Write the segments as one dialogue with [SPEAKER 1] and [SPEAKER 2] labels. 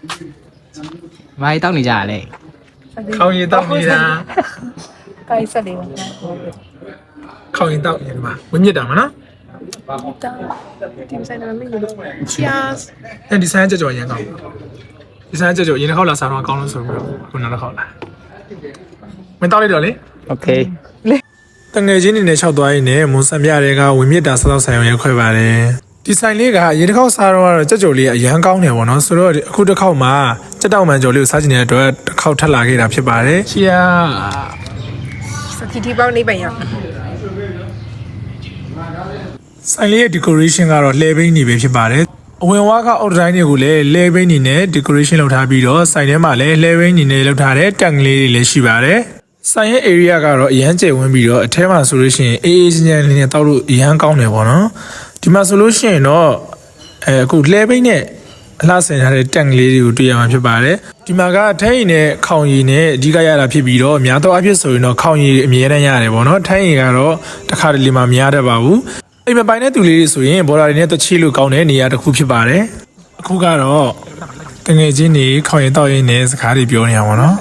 [SPEAKER 1] ဘာတောက်နေကြရလဲ
[SPEAKER 2] ခေါင်းရည်တောက်နေတာ
[SPEAKER 3] ကိုင်းဆက်လေးပါ
[SPEAKER 2] ခေါင်းရည်တောက်နေမှာဝင်းမြစ်တာမနော်
[SPEAKER 3] ဒီဆိုင်ကလည်းမင်းတို့ Cheers
[SPEAKER 2] အဲဒီဆိုင်ကြော်ရန်ကောင်းဒီဆိုင်ကြော်ရင်တစ်ခေါက်လာစားတော့ကောင်းလို့ဆိုပြီးတော့ခုနောက်တစ်ခေါက်လာမင်းတောက်လိုက်တော့လေ
[SPEAKER 1] โอเค
[SPEAKER 2] တငယ်ချင်းနေနဲ့၆သွားရင်လည်းမွန်စံပြတွေကဝင်းမြစ်တာစောက်ဆိုင်ရုံရခွဲပါတယ်ဒီဆိုင်လေးကရေတစ်ခေါက်စားတော့ကြော်လေးအရန်ကောင်းတယ်ပေါ့နော်ဆိုတော့အခုတစ်ခေါက်မှာကြက်တောက်မှန်ကြော်လေးကိုစားချင်တဲ့အတွက်တစ်ခေါက်ထပ်လာခဲ့တာဖြစ်ပါတယ်ချီယာ
[SPEAKER 3] စကီတီပေါင်းနေပိုင်ရ
[SPEAKER 2] ဆိုင်လေးရဲ့ decoration ကတော့လှည့်ဘိန်းနေပဲဖြစ်ပါတယ်အဝင်ဝါးကအောက်တိုင်းတွေကိုလည်းလှည့်ဘိန်းနေနဲ့ decoration လုပ်ထားပြီးတော့ဆိုင်ထဲမှာလည်းလှည့်ဘိန်းနေနဲ့လုပ်ထားတဲ့တန်ကလေးတွေလည်းရှိပါတယ်ဆိုင်ရဲ့ area ကတော့အရန်ကျယ်ဝန်းပြီးတော့အထဲမှာဆိုလို့ရှိရင်အေးအေးချမ်းချမ်းလေးနဲ့တောက်လို့အရန်ကောင်းတယ်ပေါ့နော်ဒီမှာဆိုလို့ရှိရင်တော့အခုလှည့်ဘိန်းနဲ့အလှဆင်ထားတဲ့တန်ကလေးတွေကိုတွေ့ရမှာဖြစ်ပါတယ်ဒီမှာကထိုင်းရင်နဲ့ခေါင်ရည်နဲ့အဓိကရတာဖြစ်ပြီးတော့များသောအားဖြင့်ဆိုရင်တော့ခေါင်ရည်အမြဲတမ်းရတယ်ပေါ့နော်ထိုင်းရင်ကတော့တစ်ခါတလေမှမရတတ်ပါဘူးအိမ်မပိုင်တဲ့သူလေးတွေဆိုရင်ဘော်ဒါတွေနဲ့တချီလို့ကောင်းတဲ့နေရာတစ်ခုဖြစ်ပါတယ်အခုကတော့တငယ်ချင်းတွေခေါင်ရည်တောက်ရင်းနဲ့စကားတွေပြောနေရပါတော့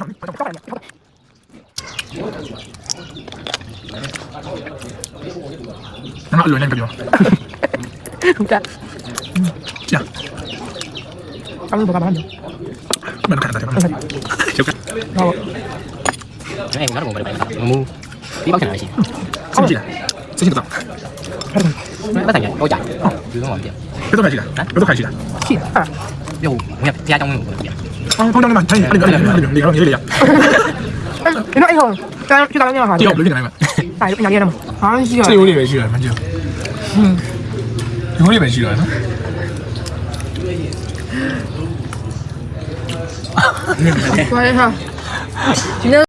[SPEAKER 2] 那有那个地方，
[SPEAKER 3] ဟုတ်ကဲ့
[SPEAKER 2] 这样，
[SPEAKER 3] အမှုဘာမှမ
[SPEAKER 2] 慢点看大家，小看，
[SPEAKER 3] ဟုတ်
[SPEAKER 1] အဲ့ငါတို့ဘာလဲမူဒီပေါက်ချင်တာရှိ
[SPEAKER 2] 自己来，自己不到，
[SPEAKER 1] ဘာဆိုင်ရောကြာဒီတော့မပြ
[SPEAKER 2] 别都开起来，别都开起来，
[SPEAKER 3] ရှိဟာ
[SPEAKER 1] ရုပ်ငါဖျားကြောင်းလို့ပြ
[SPEAKER 2] 啊，碰到你们，看你，你这里呀，
[SPEAKER 3] ဒီတော့အဲ့ဟိုတန်းပြတာလည်းမဟာ
[SPEAKER 2] 第二不是来嘛，
[SPEAKER 3] ဒါရရမှာဟာရှိရ
[SPEAKER 2] 这有点没去了，蛮久，有点没去了，
[SPEAKER 3] ဘာလဲဟာဒီနေ့